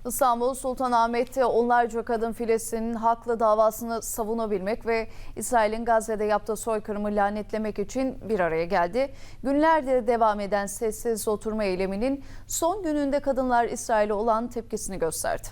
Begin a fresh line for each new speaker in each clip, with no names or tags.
İstanbul Sultanahmet'te onlarca kadın Filistin'in haklı davasını savunabilmek ve İsrail'in Gazze'de yaptığı soykırımı lanetlemek için bir araya geldi. Günlerdir devam eden sessiz oturma eyleminin son gününde kadınlar İsrail'e olan tepkisini gösterdi.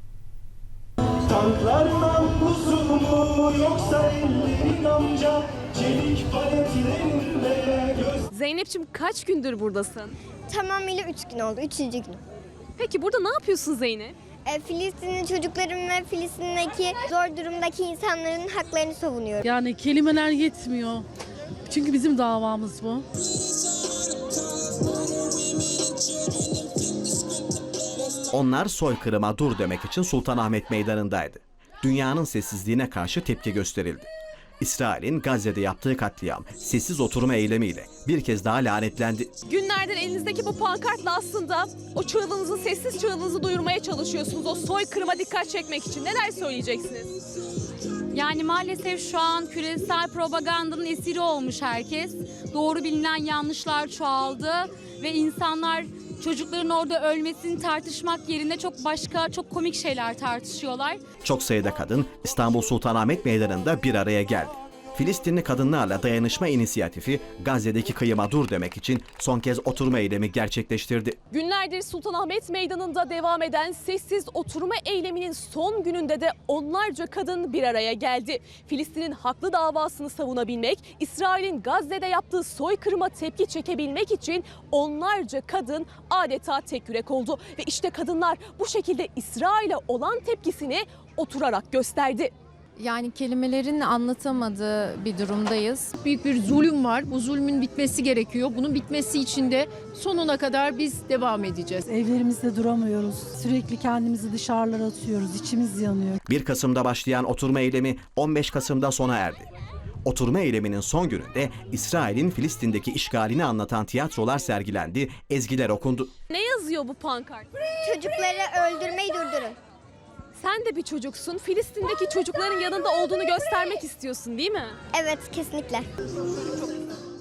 Tanklardan huzur mu yoksa ellerin amca çelik paletlerinde
Zeynep'ciğim kaç gündür buradasın?
Tamamıyla 3 gün oldu. 3. gün.
Peki burada ne yapıyorsun Zeynep?
Filistinli çocukların ve Filistin'deki zor durumdaki insanların haklarını savunuyorum.
Yani kelimeler yetmiyor. Çünkü bizim davamız bu.
Onlar soykırıma dur demek için Sultanahmet Meydanı'ndaydı. Dünyanın sessizliğine karşı tepki gösterildi. İsrail'in Gazze'de yaptığı katliam sessiz oturma eylemiyle bir kez daha lanetlendi.
Günlerdir elinizdeki bu pankartla aslında o çığlığınızı, sessiz çığlığınızı duyurmaya çalışıyorsunuz. O soykırıma dikkat çekmek için. Neler söyleyeceksiniz?
Yani maalesef şu an küresel propagandanın esiri olmuş herkes. Doğru bilinen yanlışlar çoğaldı ve insanlar çocukların orada ölmesini tartışmak yerine çok komik şeyler tartışıyorlar.
Çok sayıda kadın İstanbul Sultanahmet Meydanı'nda bir araya geldi. Filistinli kadınlarla dayanışma inisiyatifi Gazze'deki kıyıma dur demek için son kez oturma eylemi gerçekleştirdi.
Günlerdir Sultanahmet Meydanı'nda devam eden sessiz oturma eyleminin son gününde de onlarca kadın bir araya geldi. Filistin'in haklı davasını savunabilmek, İsrail'in Gazze'de yaptığı soykırıma tepki çekebilmek için onlarca kadın adeta tek yürek oldu. Ve işte kadınlar bu şekilde İsrail'e olan tepkisini oturarak gösterdi.
Yani kelimelerin anlatamadığı bir durumdayız.
Büyük bir zulüm var. Bu zulmün bitmesi gerekiyor. Bunun bitmesi için de sonuna kadar biz devam edeceğiz.
Evlerimizde duramıyoruz. Sürekli kendimizi dışarılara atıyoruz. İçimiz yanıyor.
1 Kasım'da başlayan oturma eylemi 15 Kasım'da sona erdi. Oturma eyleminin son gününde İsrail'in Filistin'deki işgalini anlatan tiyatrolar sergilendi, ezgiler okundu.
Ne yazıyor bu pankart?
Çocukları öldürmeyi durdurun.
Sen de bir çocuksun. Filistin'deki çocukların yanında olduğunu göstermek istiyorsun, değil mi?
Evet, kesinlikle.